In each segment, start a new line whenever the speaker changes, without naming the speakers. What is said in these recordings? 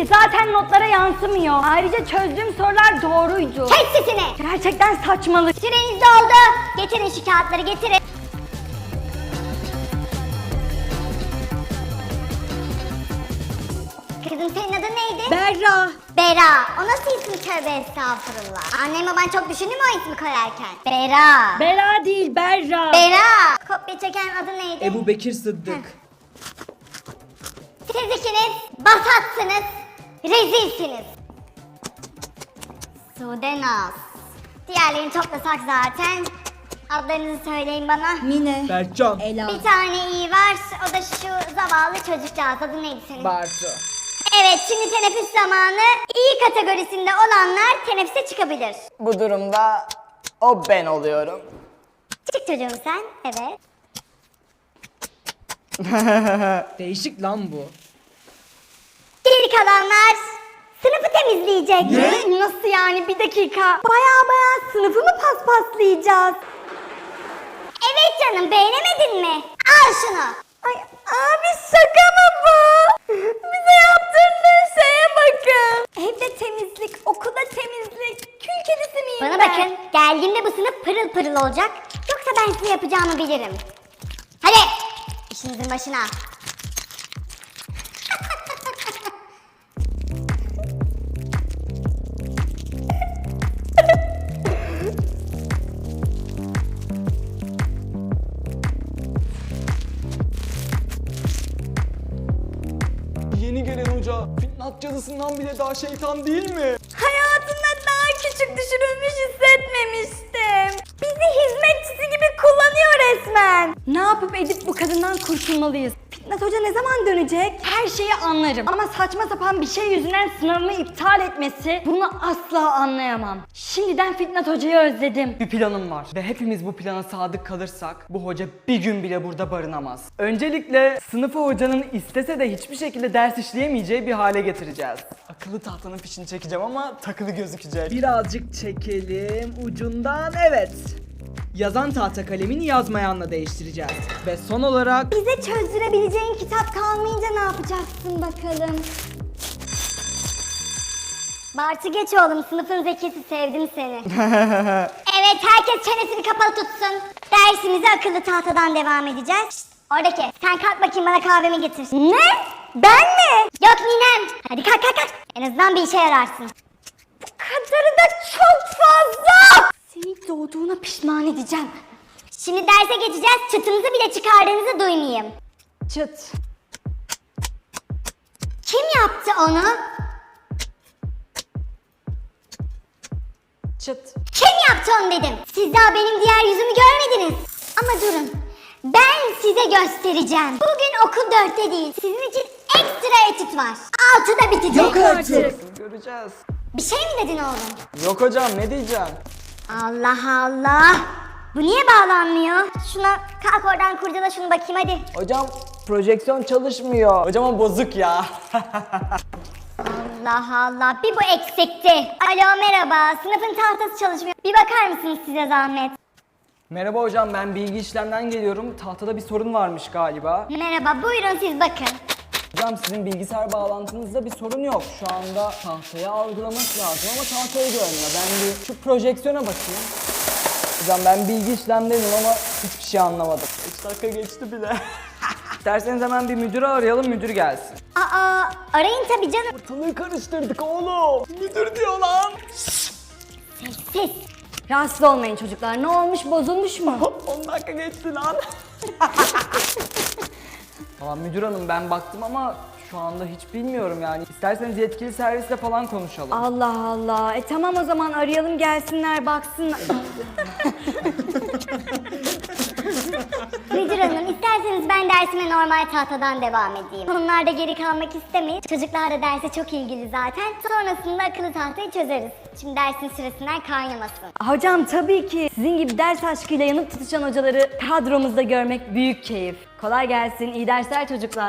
ki zaten notlara yansımıyor. Ayrıca çözdüğüm sorular doğruydu.
Kes sesini!
Gerçekten saçmalık.
Süreniz doldu. Getirin şu kağıtları, getirin. Kızım senin adın neydi?
Berra.
Bera. O nasıl isim, tövbe estağfurullah. Annem baban çok düşündü mü o ismi koyarken? Bera.
Bera değil, Berra.
Bera. Kopya çeken adı neydi?
Ebu Bekir Sıddık.
Siz ikiniz basatsınız, rezilsiniz. Sude Naz. Diğerlerini toplasak zaten. Adlarınızı söyleyin bana.
Mine.
Berkcan.
Ela.
Bir tane iyi var, o da şu zavallı çocukcağız. Adı neydi senin?
Bartu.
Evet, şimdi teneffüs zamanı. İyi kategorisinde olanlar teneffüse çıkabilir.
Bu durumda o ben oluyorum.
Çık çocuğum sen, evet.
Değişik lan bu.
Geri kalanlar sınıfı temizleyecek.
Ne? Nasıl yani? Bir dakika. Baya sınıfı mı paspaslayacağız?
Evet canım, beğenemedin mi? Al şunu.
Ay abi şaka mı bu? Bize yaptırdığın şeye bakın. Evde temizlik, okulda temizlik. Kül kedisi miyim
Bana
ben?
bakın, geldiğimde bu sınıf pırıl pırıl olacak. Yoksa ben size yapacağımı bilirim. Hadi, işinizin başına.
Yeni gelen hoca Fitnat cadısından bile daha şeytan değil mi?
Hayatımda daha küçük düşürülmüş hissetmemiştim. Bizi hizmetçisi gibi kullanıyor resmen. Ne yapıp edip bu kadından kurtulmalıyız. Fitnat Hoca ne zaman dönecek? Her şeyi anlarım. Ama saçma sapan bir şey yüzünden sınavımı iptal etmesi, bunu asla anlayamam. Şimdiden Fitnat Hoca'yı özledim.
Bir planım var ve hepimiz bu plana sadık kalırsak bu hoca bir gün bile burada barınamaz. Öncelikle sınıfı hocanın istese de hiçbir şekilde ders işleyemeyeceği bir hale getireceğiz. Akıllı tahtanın fişini çekeceğim ama takılı gözükecek. Birazcık çekelim ucundan, evet. Yazan tahta kalemini yazmayanla değiştireceğiz. Ve son olarak
Bize çözdürebileceğin kitap kalmayınca ne yapacaksın bakalım?
Bartu geç oğlum, sınıfın zekisi, sevdim seni. Evet, herkes çenesini kapalı tutsun. Dersimize akıllı tahtadan devam edeceğiz. Şşt, oradaki, sen kalk bakayım bana kahvemi getir.
Ne? Ben mi?
Yok ninem. Hadi kalk kalk kalk. En azından bir işe yararsın.
Bu kadarı da çok fazla. Seni doğduğuna pişman edeceğim.
Şimdi derse geçeceğiz. Çıtınızı bile çıkardığınızı duymayayım.
Çıt.
Kim yaptı onu?
çıt.
Kim yaptı onu dedim. Siz daha benim diğer yüzümü görmediniz. Ama durun. Ben size göstereceğim. Bugün okul 4'te değil. Sizin için ekstra etüt var. 6'da bitecek.
Yok artık.
Göreceğiz.
Bir şey mi dedin oğlum?
Yok hocam, ne diyeceğim?
Allah Allah. Bu niye bağlanmıyor? Şuna kalk oradan kurcala şunu bakayım hadi.
Hocam projeksiyon çalışmıyor. Hocam o bozuk ya.
Allah Allah, bir bu eksikti. Alo merhaba, sınıfın tahtası çalışmıyor. Bir bakar mısınız size zahmet?
Merhaba hocam, ben bilgi işlemden geliyorum. Tahtada bir sorun varmış galiba.
Merhaba, buyurun siz bakın.
Hocam sizin bilgisayar bağlantınızda bir sorun yok. Şu anda tahtayı algılaması lazım ama tahtayı görmüyor. Ben bir şu projeksiyona bakayım. Hocam ben bilgi işlemdeydim ama hiçbir şey anlamadım. 3 dakika geçti bile. İsterseniz hemen bir müdürü arayalım, müdür gelsin.
Aa, arayın tabii canım.
Ortalığı karıştırdık oğlum. Müdür diyor lan.
Siz.
Rahatsız olmayın çocuklar. Ne olmuş? Bozulmuş mu?
10 dakika geçti lan. Tamam müdür hanım, ben baktım ama şu anda hiç bilmiyorum yani. İsterseniz yetkili servisle falan konuşalım.
Allah Allah. Tamam o zaman arayalım gelsinler baksınlar.
Müdür hanım, isterseniz ben dersime normal tahtadan devam edeyim. Onlar da geri kalmak istemeyin. Çocuklar da derse çok ilgili zaten. Sonrasında akıllı tahtayı çözeriz. Şimdi dersin sırasından kaynamasın.
Hocam tabii ki sizin gibi ders aşkıyla yanıp tutuşan hocaları kadromuzda görmek büyük keyif. Kolay gelsin. İyi dersler çocuklar.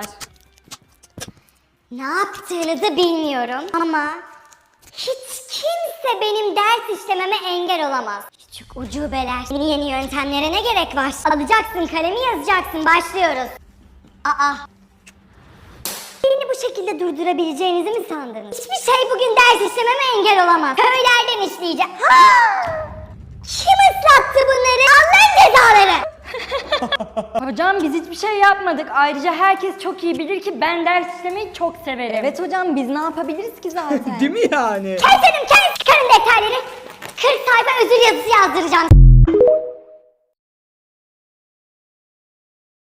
Ne yaptığınızı bilmiyorum ama hiç kimse benim ders işlememe engel olamaz. Küçük ucubeler. Yeni yöntemlere ne gerek var? Alacaksın kalemi, yazacaksın. Başlıyoruz. Aa. Beni bu şekilde durdurabileceğinizi mi sandınız? Hiçbir şey bugün ders işlememe engel olamaz. Köylerden işleyeceğim. Kim ıslattı bunları? Allah'ın cezaları.
Hocam biz hiçbir şey yapmadık. Ayrıca herkes çok iyi bilir ki ben ders işlemeyi çok severim. Evet hocam biz ne yapabiliriz ki zaten?
Değil mi yani?
Kes hanım kes. Çıkarın defterleri. 40 sayfa özür yazısı yazdıracağım.